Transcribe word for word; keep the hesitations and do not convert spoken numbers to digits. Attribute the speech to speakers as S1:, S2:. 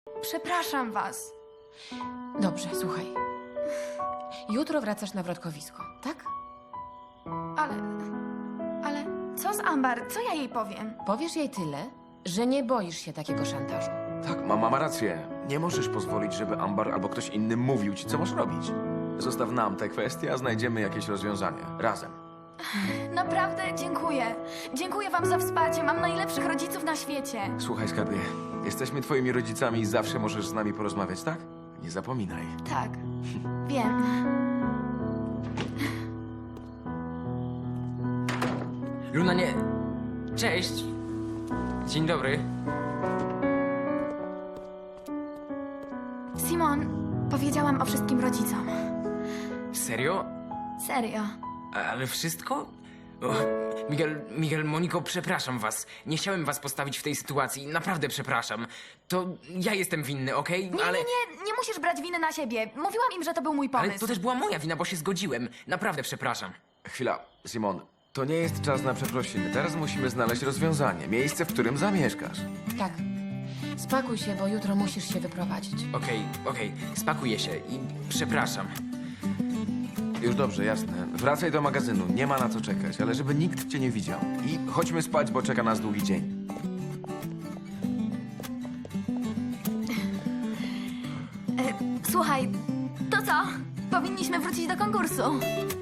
S1: Przepraszam was.
S2: Dobrze, słuchaj. Jutro wracasz na wrotkowisko, tak?
S1: Ale... Ale co z Ambar? Co ja jej powiem?
S2: Powiesz jej tyle, że nie boisz się takiego szantażu.
S3: Tak, mama ma rację. Nie możesz pozwolić, żeby Ambar albo ktoś inny mówił ci, co masz robić. Zostaw nam tę kwestię, a znajdziemy jakieś rozwiązanie. Razem.
S1: Naprawdę dziękuję. Dziękuję wam za wsparcie. Mam najlepszych rodziców na świecie.
S3: Słuchaj, skarbie, jesteśmy twoimi rodzicami i zawsze możesz z nami porozmawiać, tak? Nie zapominaj.
S1: Tak. Wiem.
S4: Luna, nie... Cześć. Dzień dobry.
S1: Simon, powiedziałam o wszystkim rodzicom.
S4: Serio?
S1: Serio.
S4: A- Ale wszystko? O, Miguel, Miguel, Moniko, przepraszam was. Nie chciałem was postawić w tej sytuacji. Naprawdę przepraszam. To ja jestem winny, okej?
S1: Nie,
S4: Ale...
S1: nie, nie, nie musisz brać winy na siebie. Mówiłam im, że to był mój pomysł.
S4: Ale to też była moja wina, bo się zgodziłem. Naprawdę przepraszam.
S3: Chwila, Simon. To nie jest czas na przeprosiny. Teraz musimy znaleźć rozwiązanie. Miejsce, w którym zamieszkasz.
S2: Tak. Spakuj się, bo jutro musisz się wyprowadzić.
S4: Okej, okej, spakuję się i przepraszam.
S3: Już dobrze, jasne. Wracaj do magazynu. Nie ma na co czekać, ale żeby nikt cię nie widział. I chodźmy spać, bo czeka nas długi dzień.
S1: Słuchaj, to co? Powinniśmy wrócić do konkursu.